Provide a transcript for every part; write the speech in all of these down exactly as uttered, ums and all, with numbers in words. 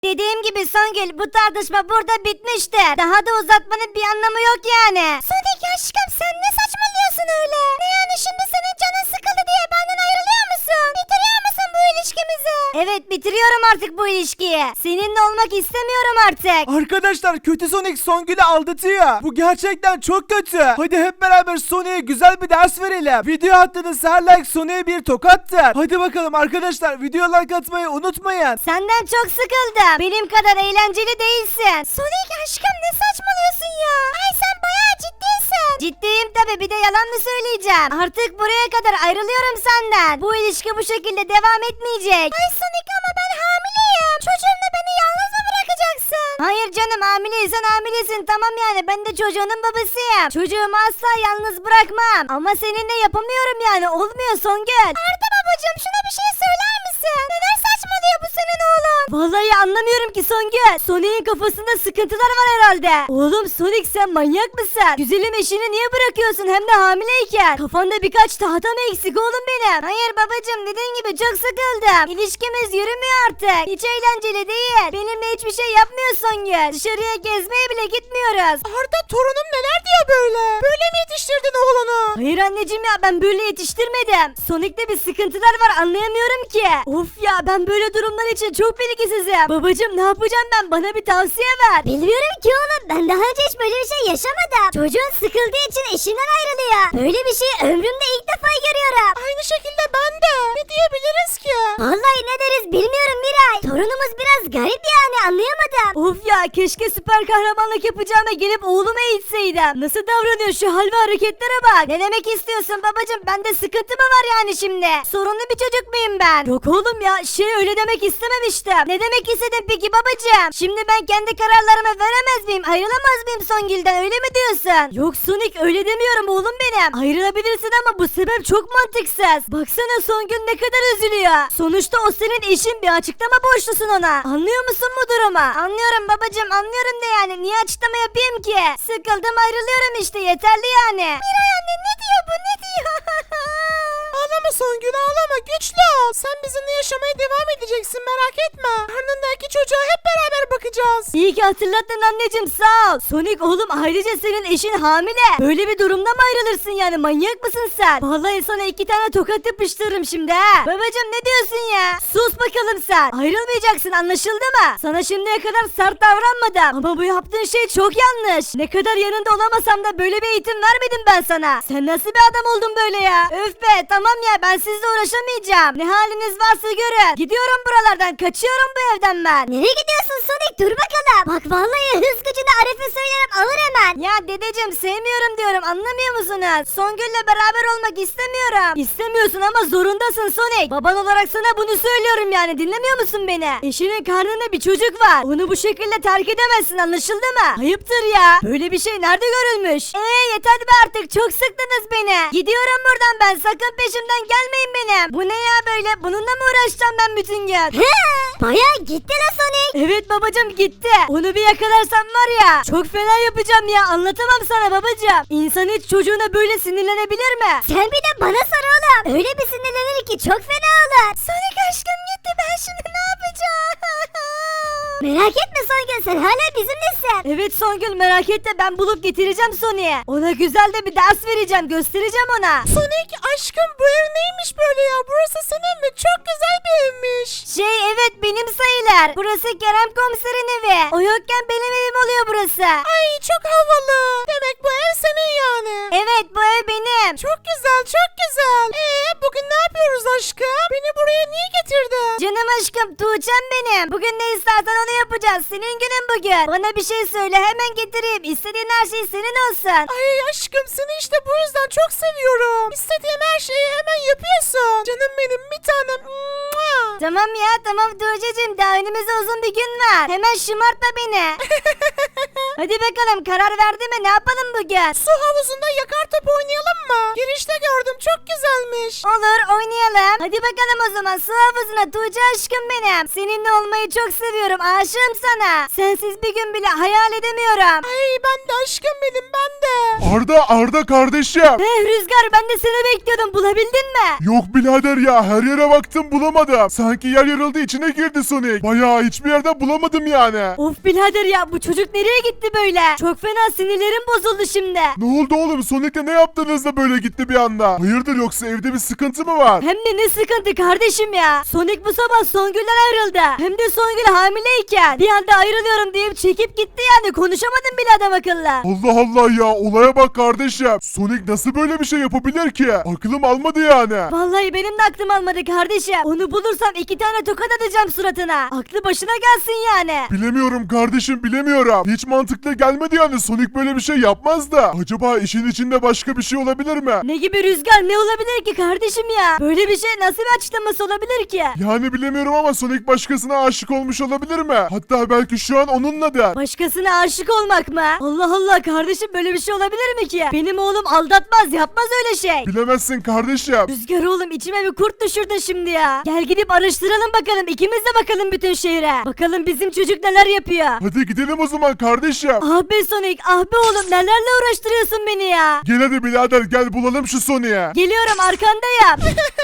Dediğim gibi Songül, bu tartışma burada bitmişti. Daha da uzatmanın bir anlamı yok yani. Sonic aşkım, sen ne saçmalıyorsun öyle? Ne yani, şimdi senin canın sıkıldı diye benden ayrılıyor musun? Bitiriyor musun bu ilişkimizi? Evet, bitiriyorum artık bu ilişkiyi. Seninle olmak istemiyorum artık. Arkadaşlar, kötü Sonic Songül'ü aldatıyor. Bu gerçekten çok kötü. Hadi hep beraber Sonic'e güzel bir ders verelim. Video attığınız her like Sonic'e bir tokattır. Hadi bakalım arkadaşlar, video like atmayı unutmayın. Senden çok sıkıldım. Benim kadar eğlenceli değilsin. Sonic aşkım, ne saçmalıyorsun ya? Ay, sen bayağı ciddisin. Ciddiyim tabi, bir de yalan mı söyleyeceğim? Artık buraya kadar ayrılıyorum senden. Bu ilişki bu şekilde devam etmeyecek. Ay Sonic, ama ben hamileyim. Çocuğumla beni yalnız mı bırakacaksın? Hayır canım, hamileysen hamilesin, tamam yani, ben de çocuğunun babasıyım. Çocuğumu asla yalnız bırakmam. Ama seninle yapamıyorum yani, olmuyor Songül. Arda babacığım, şuna bir şey söyler misin? Neden saçmalıyor bu senin oğlun? Vallahi anlamıyorum ki Songül. Sonic'in kafasında sıkıntılar var herhalde. Oğlum Sonic, sen manyak mısın? Güzelim eşini niye bırakıyorsun, hem de hamileyken? Kafanda birkaç tahta mı eksik oğlum benim? Hayır babacığım, dediğin gibi çok sıkıldım. İlişkimiz yürümüyor artık. Hiç eğlenceli değil. Benimle hiçbir şey yapmıyor Songül. Dışarıya gezmeye bile gitmiyoruz. Arda, torunum neler diyor böyle? Böyle mi yetiştirdin oğlunu? Hayır anneciğim ya, ben böyle yetiştirmedim. Sonic'te bir sıkıntılar var, anlayamıyorum ki. Of ya, ben böyle durumlar için çok bilgisizim. Babacığım, ne yapacağım ben? Bana bir tavsiye ver. Bilmiyorum ki oğlum, ben daha önce hiç böyle bir şey yaşamadım. Çocuğun sıkıldığı için eşinden ayrılıyor. Böyle bir şey ömrümde ilk defa görüyorum. Aynı şekilde ben de. Ne diyebiliriz ki? Vallahi ne deriz bilmiyorum Miray. Torunumuz biraz garip yani, anlayamadım. Of ya, keşke süper kahramanlık yapacağıma gelip oğlumu eğitseydim. Nasıl davranıyor, şu hal ve hareketlere bak. Ne demek istiyorsun babacığım? Bende sıkıntı mı var yani şimdi? Sorunlu bir çocuk muyum ben? Yok oğlum ya, şey öyle demek istememiştim. Ne demek istedin peki babacığım? Şimdi ben kendi kararlarımı veremez miyim? Ayrılamaz mıyım Songül'den, öyle mi diyorsun? Yok Sonic, öyle demiyorum oğlum benim. Ayrılabilirsin ama bu sebep çok mantıksız. Baksana Songül ne kadar üzülüyor. Sonuçta o senin eşin, bir açıklama borçlusun ona. Anlıyor musun bu durumu? Anlıyorum babacığım, anlıyorum da yani niye açıklama yapayım ki? Sıkıldım, ayrılıyorum işte, yeterli yani. Miray anne, ne diyor bu, ne diyor? Ağlama Songül, ağlama, güçlü ol. Sen bizimle yaşamaya devam edeceksin, merak etme. Karnındaki çocuğa hep beraber bakacağız. İyi ki hatırlattın anneciğim, sağ ol. Sonic oğlum, ayrıca senin eşin hamile. Böyle bir durumda mı ayrılırsın yani, manyak mısın sen? Vallahi sana iki tane tokat yapıştırırım şimdi ha. Babacığım, ne diyorsun ya? Sus bakalım sen. Ayrılmayacaksın, anlaşıldı mı? Sana şimdiye kadar sert davranmadım. Ama bu yaptığın şey çok yanlış. Ne kadar yanında olamasam da böyle bir eğitim vermedim ben sana. Sen nasıl bir adam oldun böyle ya? Öf be, tamam ya, ben sizle uğraşamayacağım. Ne haliniz varsa görün. Gidiyorum buralardan, kaçıyorum bu evden ben. Nereye gidiyorsun Sonic? Dur bakalım. Bak vallahi hız gücünü Arif'e söylerim, alır hemen. Ya dedeciğim, sevmiyorum diyorum, anlamıyor musunuz? Songül'le beraber olmak istemiyorum. İstemiyorsun ama zorundasın Sonic. Baban olarak sana bunu söylüyorum yani, dinlemiyor musun beni? Eşinin karnında bir çocuk var. Onu bu şekilde terk edemezsin, anlaşıldı mı? Ayıptır ya. Böyle bir şey nerede görülmüş? Eee yeter be artık, çok sıktınız beni. Gidiyorum buradan ben, sakın peşimden gelmeyin benim. Bu ne ya böyle? Bununla mı uğraşacağım ben bütün gün? He, bayağı gitti la Sonic. Evet babacığım, gitti. Onu bir yakalarsam var ya, çok fena yapacağım ya, anlatamam sana babacığım. İnsan hiç çocuğuna böyle sinirlenebilir mi? Sen bir de bana sor oğlum. Öyle bir sinirlenir ki çok fena olur. Sonic aşkım gitti, ben şimdi ne yapacağım? Merak etme Songül, sen hala bizimlesin. Evet Songül, merak etme, ben bulup getireceğim Sonic'e. Ona güzel de bir ders vereceğim, göstereceğim ona. Sonic aşkım, bu ev neymiş böyle ya? Burası senin mi? Çok güzel bir evmiş. Şey evet, benim sayılır. Burası Kerem komiserin evi. O yokken benim evim oluyor burası. Ay çok havalı. Demek bu ev senin yani. Evet, bu ev benim. Çok güzel, çok güzel. Eee bugün ne yapıyoruz aşkım? Beni buraya niye getirdin? Canım aşkım, Tuğçe'm benim. Bugün ne istersen onu yapacağız. Senin günün bugün. Bana bir şey söyle, hemen getireyim. İstediğin her şey senin olsun. Ay aşkım, seni işte bu yüzden çok seviyorum. İstediğim her şeyi hemen yapıyorsun. Canım benim, bir tanem. Mua. Tamam ya, tamam Tuğçe'cim, daha önümüzde uzun bir gün var. Hemen şımartma beni. Hadi bakalım karar verdi mi, ne yapalım bugün? Su havuzunda yakar top oynayalım mı? Girişte gördüm, çok güzelmiş. Olur, oynayalım. Hadi bakalım o zaman su havuzuna Tuğçe aşkım benim. Seninle olmayı çok seviyorum, aşığım sana. Sensiz bir gün bile hayal edemiyorum. Ay ben de aşkım benim, ben de. Arda Arda kardeşim. Eh Rüzgar, ben de seni bekliyordum, bulabildin mi? Yok birader ya, her yere baktım bulamadım. Sanki yer yarıldı, içine girdi Sonic. Bayağı hiçbir yerde bulamadım yani. Of birader ya, bu çocuk nereye gitti böyle? Çok fena sinirlerim bozuldu şimdi. Ne oldu oğlum, Sonic'le ne yaptınız da böyle gitti bir anda? Hayırdır, yoksa evde bir sıkıntı mı var? Hem de ne sıkıntı kardeşim ya. Sonic bu sabah Songül'den ayrıldı. Hem de Songül hamileyken. Bir anda ayrılıyorum deyip çekip gitti yani. Konuşamadım bile adam akıllı. Allah Allah ya, olaya bak kardeşim. Sonic nasıl böyle bir şey yapabilir ki? Aklım almadı yani. Vallahi benim de aklım almadı kardeşim. Onu bulursam iki tane tokat atacağım suratına. Aklı başına gelsin yani. Bilemiyorum kardeşim, bilemiyorum. Hiç mantıklı gelmedi yani, Sonic böyle bir şey yapmaz da. Acaba işin içinde başka bir şey olabilir mi? Ne gibi Rüzgar, ne olabilir ki kardeşim ya? Böyle bir şey nasıl bir açıklaması olabilir ki? Yani bilemiyorum ama Sonic başkasına aşık olmuş olabilir mi? Hatta belki şu an onunladır. Başkasına aşık olmak mı? Allah Allah kardeşim, böyle bir şey olabilir mi ki? Benim oğlum aldatmaz, yapmaz öyle şey. Bilemezsin kardeşim. Rüzgar oğlum, içime bir kurt düşürdün şimdi ya. Gel gidip araştıralım bakalım, ikimiz de bakalım bütün şehre. Bakalım bizim çocuk neler yapıyor. Hadi gidelim o zaman kardeşim. Ah be Sonic, ah be oğlum, nelerle uğraştırıyorsun beni ya. Gel hadi birader, gel bulalım şu Sonic'i. Geliyorum, arkandayım.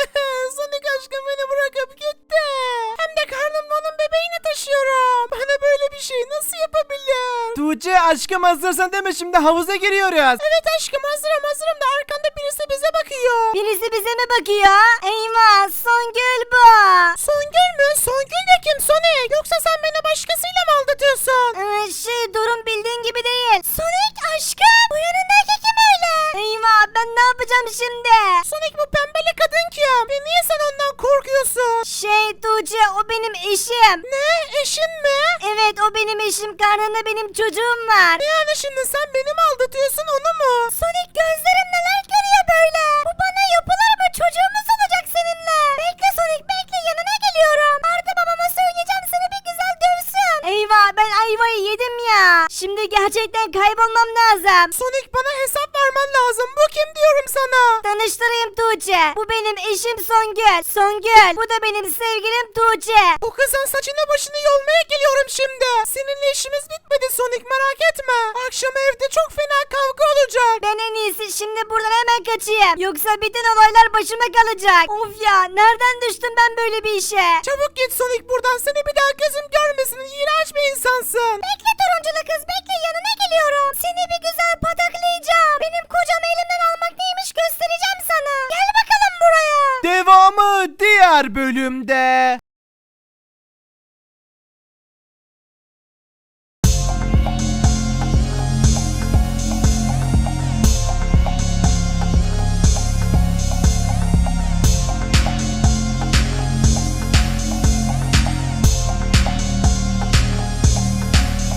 Sonic aşkım beni bırakıp gitti. Hem de karnımda onun bebeğini taşıyorum. Bana böyle bir şey nasıl yapabilir? Tuğçe aşkım, hazırsan değil mi, şimdi havuza giriyoruz. Evet aşkım, hazırım hazırım da arkanda birisi bize bakıyor. Birisi bize mi bakıyor? Eyvah, Songül bu. Songül mü? Songül de kim Sonic? Yoksa sen beni başkasıyla mı aldatıyorsun? Ee, şey durum bildiğin gibi değil. Sonic aşkım, bu yanındaki kim öyle? Eyvah, ben ne yapacağım şimdi? Sonic, bu pembeli kadın kim? Ve niye sen ondan korkuyorsun? Şey Tuğçe, o benim eşim. Ne? Eşin mi? Evet, o benim eşim, karnında benim çocuğum var. Yani şimdi sen beni mi aldatıyorsun, onu mu? Sonic, gözlerim neler görüyor böyle? Bu bana yapılır mı? Çocuğumuz olacak seninle. Bekle Sonic, bekle, yanına geliyorum. Arda babama söyleyeceğim, seni bir güzel dövsün. Eyvah, ben ayvayı yedim ya. Şimdi gerçekten kaybolmam lazım. Sonic, bana hesap vermen lazım. Bu kim diyorum sana? Tanıştırayım Tuğçe. Bu benim eşim Songül. Songül. Bu da benim sevgilim Tuğçe. Bu kızın saçını başını yolmaya geliyorum şimdi. Seninle işimiz bitmedi Sonic, merak etme. Akşam evde çok fena kavga olacak. Ben en iyisi şimdi buradan hemen kaçayım. Yoksa bütün olaylar başıma kalacak. Of ya, nereden düştüm ben böyle bir işe? Çabuk git Sonic buradan, seni bir daha gözüm görmesin. İğrenç bir insansın. Bekle turunculu kız, bekle, yanına geliyorum. Seni bir güzel pataklayacağım. Benim kocamı elimden almak neymiş göstereceğim sana. Gel bakalım buraya. Devamı diğer bölümde.